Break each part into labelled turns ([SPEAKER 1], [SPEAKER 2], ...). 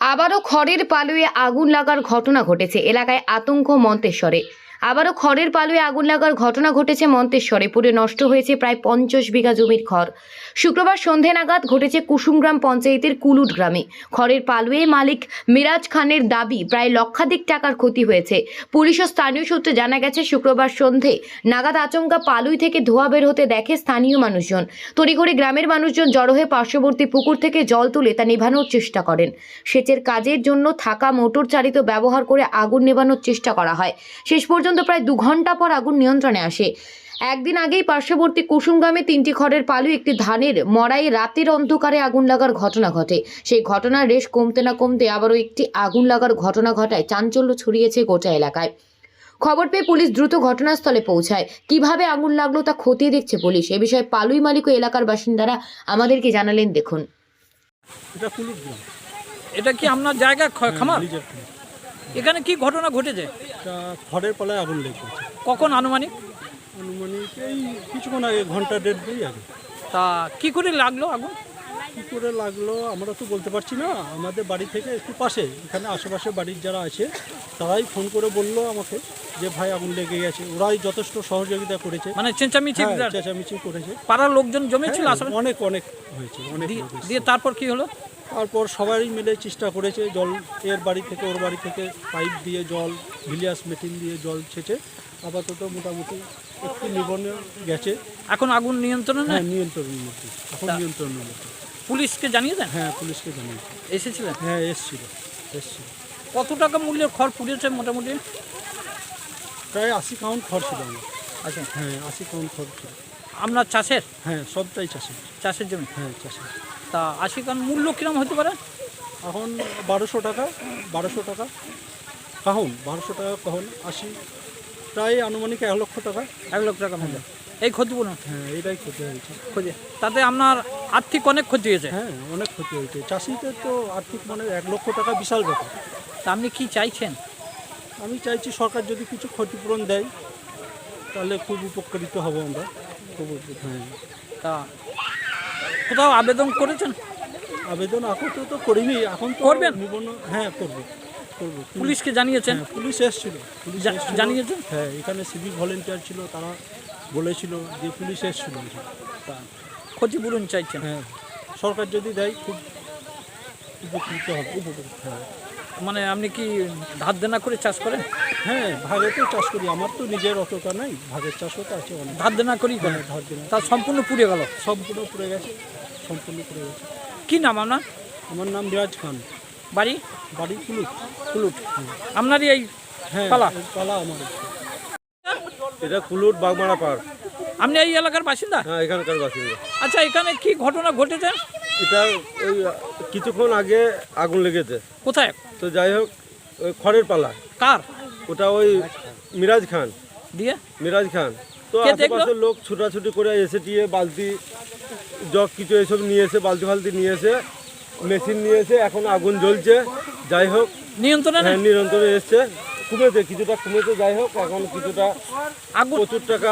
[SPEAKER 1] আবারও খড়ের পালুয়ে আগুন লাগার ঘটনা ঘটেছে এলাকায় আতঙ্ক মন্তেশ্বরে। আবারও খড়ের পালুয়ে আগুন লাগার ঘটনা ঘটেছে মন্তেশ্বরে। পুড়ে নষ্ট হয়েছে প্রায় 50 বিঘা জমির খড়। শুক্রবার সন্ধে নাগাদ ঘটেছে কুসুমগ্রাম পঞ্চায়েতের কুলুট গ্রামে। খড়ের পালুয়ে মালিক মিরাজ খানের দাবি প্রায় লক্ষাধিক টাকার ক্ষতি হয়েছে। পুলিশ ও স্থানীয় সূত্রে জানা গেছে, শুক্রবার সন্ধে নাগাদ আচমকা পালুই থেকে ধোঁয়া বের হতে দেখে স্থানীয় মানুষজন। তড়িঘড়ি গ্রামের মানুষজন জড়ো হয়ে পার্শ্ববর্তী পুকুর থেকে জল তুলে তা নেভানোর চেষ্টা করেন। সেচের কাজের জন্য থাকা মোটর চালিত ব্যবহার করে আগুন নেভানোর চেষ্টা করা হয়। শেষ পর্যন্ত প্রায় 2 ঘন্টা পর আগুন নিয়ন্ত্রণে আসে। একদিন আগেই পার্শ্ববর্তী কুসুমগ্রামে 3টি খড়ের পালু একটি ধানের মড়াই রাতের অন্ধকারে আগুন লাগার ঘটনা ঘটে। সেই ঘটনার রেশ কমতে না কমতে আবারও একটি আগুন লাগার ঘটনা ঘটায় চাঞ্চল্য ছড়িয়েছে গোটা এলাকায়। খবর পেয়ে পুলিশ দ্রুত ঘটনাস্থলে পৌঁছায়। কিভাবে আগুন লাগলো তা খতিয়ে দেখছে পুলিশ। এ বিষয়ে পালুই মালিক ও এলাকার বাসিন্দারা আমাদেরকে জানালেন, দেখুন।
[SPEAKER 2] এটা কুলুট গ্রাম।
[SPEAKER 3] এটা কি আপনার জায়গা খামার?
[SPEAKER 2] নিজের খামার।
[SPEAKER 3] এখানে কি ঘটনা ঘটেছে?
[SPEAKER 2] এটা খড়ের পালায় আগুন লেগেছে।
[SPEAKER 3] কখন আনুমানিক?
[SPEAKER 2] আনুমানিক এই কিছুক্ষণ আগে, ঘন্টা দেড় দুই আগে।
[SPEAKER 3] তা কি করে লাগলো আগুন?
[SPEAKER 2] কী করে লাগলো আমরা তো বলতে পারছি না। আমাদের বাড়ি থেকে একটু পাশে, এখানে আশেপাশে বাড়ির যারা আছে তারাই ফোন করে বললো আমাকে যে ভাই আগুন লেগে গেছে। ওরাই যথেষ্ট সহযোগিতা করেছে,
[SPEAKER 3] মানে চেঁচামেচি
[SPEAKER 2] চেঁচামেচি করেছে।
[SPEAKER 3] পাড়ার লোকজন জমেছিল
[SPEAKER 2] হ্যাঁ,
[SPEAKER 3] আশেপাশে?
[SPEAKER 2] অনেক অনেক হয়েছে, অনেক
[SPEAKER 3] দিয়ে-
[SPEAKER 2] লোক এসেছে।
[SPEAKER 3] দিয়ে তারপর কি হলো?
[SPEAKER 2] তারপর সবাই মিলে চেষ্টা করেছে, জল এর বাড়ি থেকে ওর বাড়ি থেকে পাইপ দিয়ে জল, ভিলিয়াস মেশিন দিয়ে জল ছেঁচে আপাতত মোটামুটি একটু নিবনে গেছে।
[SPEAKER 3] এখন আগুন নিয়ন্ত্রণে নেই?
[SPEAKER 2] হ্যাঁ, নিয়ন্ত্রণের মধ্যে, এখন নিয়ন্ত্রণের মধ্যে।
[SPEAKER 3] পুলিশকে জানিয়ে দেন?
[SPEAKER 2] হ্যাঁ, পুলিশকে জানিয়েছে।
[SPEAKER 3] এসেছিলেন?
[SPEAKER 2] হ্যাঁ, এসছিল।
[SPEAKER 3] কত টাকা মূল্যের খড় পুড়েছে মোটামুটি?
[SPEAKER 2] প্রায় 80 কাউন্ট খড় ছিল আমার।
[SPEAKER 3] আচ্ছা,
[SPEAKER 2] হ্যাঁ, 80 কাউন্ট খড় ছিল।
[SPEAKER 3] আপনার চাষের
[SPEAKER 2] হ্যাঁ, সবটাই
[SPEAKER 3] চাষের জমি?
[SPEAKER 2] হ্যাঁ, চাষের।
[SPEAKER 3] তা 80 কান মূল্য কিরম হতে পারে?
[SPEAKER 2] এখন 1200 টাকা কাহন, 1200 টাকা কাহন, 80 প্রায় আনুমানিক 1 লক্ষ টাকা।
[SPEAKER 3] 1 লক্ষ টাকা মূল্য এই ক্ষতিপূরণ?
[SPEAKER 2] হ্যাঁ, এটাই ক্ষতি হয়েছে।
[SPEAKER 3] ক্ষতি তাতে আপনার আর্থিক অনেক ক্ষতি হয়েছে?
[SPEAKER 2] হ্যাঁ, অনেক ক্ষতি হয়েছে। চাষিদের তো আর্থিক মানে 1 লক্ষ টাকা বিশাল ব্যাপার।
[SPEAKER 3] তা আপনি কি চাইছেন?
[SPEAKER 2] আমি চাইছি সরকার যদি কিছু ক্ষতিপূরণ দেয় তাহলে খুব উপকৃত হব আমরা। হ্যাঁ,
[SPEAKER 3] তা কোথাও আবেদন করেছেন?
[SPEAKER 2] আবেদন এখন তো করিনি, এখন তো
[SPEAKER 3] করবেন?
[SPEAKER 2] হ্যাঁ, করবো।
[SPEAKER 3] পুলিশকে জানিয়েছেন?
[SPEAKER 2] হ্যাঁ, পুলিশ এসেছিল।
[SPEAKER 3] জানিয়েছেন?
[SPEAKER 2] হ্যাঁ, এখানে সিভিক ভলেন্টিয়ার ছিল, তারা বলেছিল যে পুলিশ এসেছিল।
[SPEAKER 3] তা ক্ষতিপূরণ চাইছেন?
[SPEAKER 2] হ্যাঁ, সরকার যদি দেয় খুব উপকৃত হবে। হ্যাঁ,
[SPEAKER 3] মানে আপনি কি ধার দেনা করে চাষ করেন?
[SPEAKER 2] হ্যাঁ, ভাগে তো চাষ করি, আমার তো নিজের অতটা নাই, ভাগের চাষও তো আছে অনেক।
[SPEAKER 3] ধার দেনা করেই করেন?
[SPEAKER 2] হ্যাঁ, ধার দেনা।
[SPEAKER 3] তা সম্পূর্ণ পুড়ে গেল?
[SPEAKER 2] সম্পূর্ণ পুড়ে গেছে।
[SPEAKER 3] কি নাম আপনার?
[SPEAKER 2] আমার নাম মিরাজ খান,
[SPEAKER 3] বাড়ি?
[SPEAKER 2] বাড়ি কুলুট।
[SPEAKER 3] আপনারই এই
[SPEAKER 2] হ্যাঁ,
[SPEAKER 3] পালা?
[SPEAKER 2] এই পালা আমার।
[SPEAKER 4] এটা কুলুট বাগমারা পার্ক।
[SPEAKER 3] আপনি এই এলাকার বাসিন্দা?
[SPEAKER 4] হ্যাঁ, এখানকার বাসিন্দা।
[SPEAKER 3] আচ্ছা, এখানে কি ঘটনা ঘটেছে?
[SPEAKER 4] এটা ওই কিছুক্ষণ আগে আগুন লেগেছে।
[SPEAKER 3] কোথায়?
[SPEAKER 4] তো যাই হোক, ওই খড়ের পালা।
[SPEAKER 3] কার?
[SPEAKER 4] ওটা ওই মিরাজ খান।
[SPEAKER 3] দিয়ে
[SPEAKER 4] মিরাজ খান তো
[SPEAKER 3] কে দেখলো?
[SPEAKER 4] আশেপাশের লোক ছুটাছুটি করে এসে দিয়ে বালতি জগ কিছু এসব নিয়ে এসে, বালতি নিয়ে এসে, মেশিন নিয়ে এসে এখন আগুন জ্বলছে। যাই হোক,
[SPEAKER 3] নিয়ন্ত্রণে নেই?
[SPEAKER 4] হ্যাঁ, নিরন্তরে এসছে, কিছুটা কমেছে। যাই হোক, এখন কিছুটা
[SPEAKER 3] আগুন
[SPEAKER 4] প্রচুর টাকা।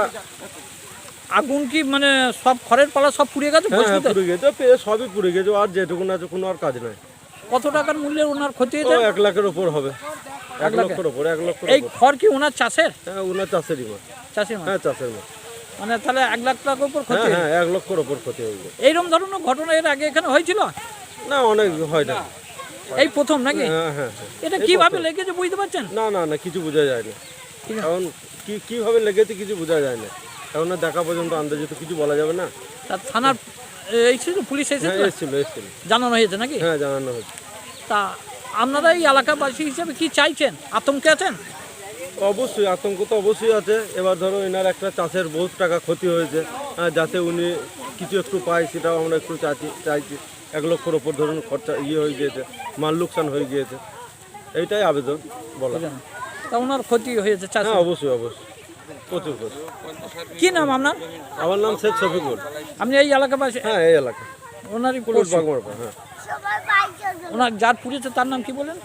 [SPEAKER 3] আগুন কি মানে সব খড়ের পালা সব পুড়ে গেছে?
[SPEAKER 4] হ্যাঁ,
[SPEAKER 3] বসতে?
[SPEAKER 4] পুড়ে গেছে, সবই পুড়ে গেছে। আর যেটুকু আছে কোনো আর কাজ নাই।
[SPEAKER 3] কত টাকার মূল্যের ওনার ক্ষতি
[SPEAKER 4] ও
[SPEAKER 3] হয়েছে?
[SPEAKER 4] 1 লাখের ওপর হবে। 1 লক্ষের ওপর, 1 লক্ষের
[SPEAKER 3] এই
[SPEAKER 4] ওপর।
[SPEAKER 3] খড় কি ওনার চাষের?
[SPEAKER 4] হ্যাঁ, ওনার চাষেরই মাছ।
[SPEAKER 3] চাষি মাছ?
[SPEAKER 4] হ্যাঁ, চাষের মাছ।
[SPEAKER 3] মানে তাহলে 1 লাখ টাকার উপর ক্ষতি
[SPEAKER 4] হ্যাঁ,
[SPEAKER 3] হয়েছে?
[SPEAKER 4] হ্যাঁ, 1 লক্ষের ওপর ক্ষতি হয়ে গেছে।
[SPEAKER 3] এইরকম ধরনের ঘটনা এর আগে এখানে হয়েছিল?
[SPEAKER 4] না, অনেক হয় না।
[SPEAKER 3] এই প্রথম নাকি?
[SPEAKER 4] হ্যাঁ, হ্যাঁ, হ্যাঁ।
[SPEAKER 3] এটা
[SPEAKER 4] এই
[SPEAKER 3] কিভাবে
[SPEAKER 4] প্রথম।
[SPEAKER 3] লেগেছে বুঝতে পারছেন?
[SPEAKER 4] না, কিছু বোঝা যায় না।
[SPEAKER 3] ঠিক আছে।
[SPEAKER 4] এখন কিভাবে লেগেছে কিছু বোঝা যায় না। এখন না দেখা পর্যন্ত আন্দাজে তো কিছু বলা যাবে না।
[SPEAKER 3] তা থানার এসেছিল, পুলিশ
[SPEAKER 4] হ্যাঁ,
[SPEAKER 3] এসেছিল?
[SPEAKER 4] এসেছিল।
[SPEAKER 3] জানানো হয়েছে নাকি?
[SPEAKER 4] হ্যাঁ, জানানো হয়েছে।
[SPEAKER 3] তা আপনারা এই এলাকাবাসী হিসেবে কি চাইছেন? আতঙ্কে আছেন?
[SPEAKER 4] অবশ্যই আতঙ্ক তো অবশ্যই আছে। এবার ধরো এনার একটা চাষের বহুত টাকা ক্ষতি হয়েছে, যাতে উনি কিছু একটু পায় সেটাও আমরা একটু চাইছি। 1 লক্ষের ওপর ধরুন খরচা হয়ে গিয়েছে, মাল লোকসান হয়ে গিয়েছে, এইটাই আবেদন বলা।
[SPEAKER 3] তা ওনার ক্ষতি হয়েছে চাষ?
[SPEAKER 4] হ্যাঁ, অবশ্যই প্রচুর।
[SPEAKER 3] কি নাম আপনার?
[SPEAKER 4] আমার নাম শেখ শফিকুল।
[SPEAKER 3] আপনি এই এলাকাবাসী?
[SPEAKER 4] হ্যাঁ, এই এলাকা
[SPEAKER 3] ওনারই
[SPEAKER 4] কুলুট
[SPEAKER 3] পড়শি?
[SPEAKER 4] বাগমারা পার্ক। হ্যাঁ,
[SPEAKER 3] ওনার যার পুড়েছে তার নাম কি বলেন?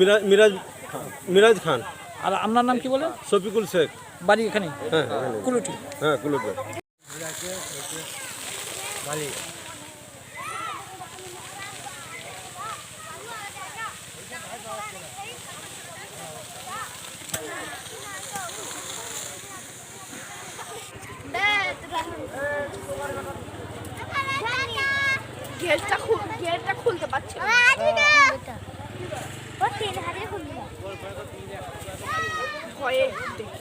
[SPEAKER 4] মিরাজ খান।
[SPEAKER 3] আর আপনার নাম কি বলেন?
[SPEAKER 4] শফিকুল শেখ।
[SPEAKER 3] বাড়ি এখানে
[SPEAKER 4] হ্যাঁ, এখানে।
[SPEAKER 3] কুলুটি?
[SPEAKER 4] হ্যাঁ, কুলুট বাগ।
[SPEAKER 5] গেটটা খুলতে পারছি না। ভয়ে দেখে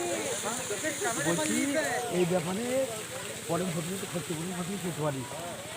[SPEAKER 6] বলছি এই ব্যাপারে পরে ঘটনা করতে পারি